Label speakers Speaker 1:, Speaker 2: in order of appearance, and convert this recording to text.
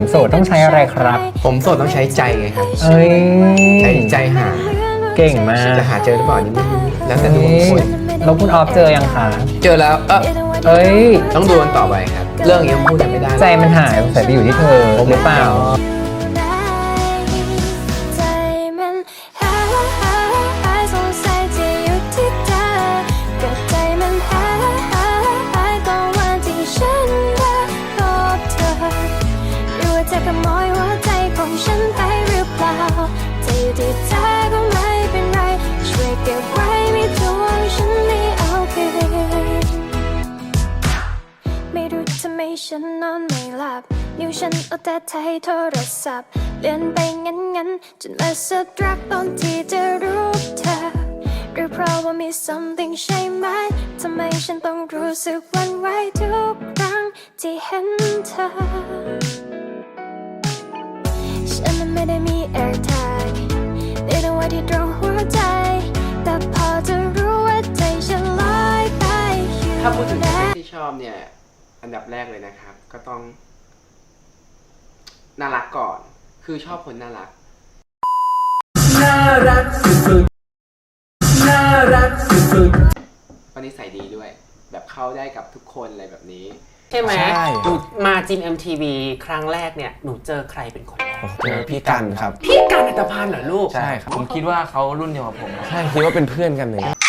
Speaker 1: โสดต้องใช้อะไรครับ
Speaker 2: ผมโสดต้องใช้ใจไงครับ
Speaker 1: เอ้ย
Speaker 2: ใช้ใจหา
Speaker 1: เก่งมาก
Speaker 2: จะหาเจอหรือเปล่านี่ไม่รู้แล้วแต่ดวงคน
Speaker 1: แล้วคุณออฟเจอยังคะ
Speaker 2: เจอแล้ว
Speaker 1: เอ้ย
Speaker 2: ต้องดูกันต่อไปครับเรื่องยังพูดกันไม่ได้
Speaker 1: ใจมันหายสงสัยไปอยู่ที่เธอหรือเปล่า
Speaker 3: ฉันนอนไม่หลับนิ้วฉันเอาแต่ไทยโทรศัพท์เลื่อนไปงั้นจนมาสะดุดตอนที่จะรู้เธอหรือเพราะว่ามี something ใช่ไหมทำไมฉันต้องรู้สึกหวั่นไหวทุกครั้งที่เห็นเธอฉันไม่ได้มี AirTag ไม่ได้ว่าที่ตรงหัวใจแต่พอจะรู้ว่าใจฉันลอยไปอยู่
Speaker 2: ถ้าพูดถึงเพศที่ชอบเนี่ยอันดับแรกเลยนะครับก็ต้องน่ารักก่อนคือชอบคนน่ารักสุดน่ารักสุดวันนี้ใส่ดีด้วยแบบเข้าได้กับทุกคนอะไรแบบนี้
Speaker 4: ใช่ไหมหนูมาจิม MTV ครั้งแรกเนี่ยหนูเจอใครเป็นคนแรก
Speaker 5: เจอพี่กันครับ
Speaker 4: พี่กันอัตภานเหรอลูก
Speaker 5: ใช่ครับ
Speaker 6: ผมคิดว่าเขารุ่นเดียวกับผม
Speaker 5: ใช่คิดว่าเป็นเพื่อนกันเลย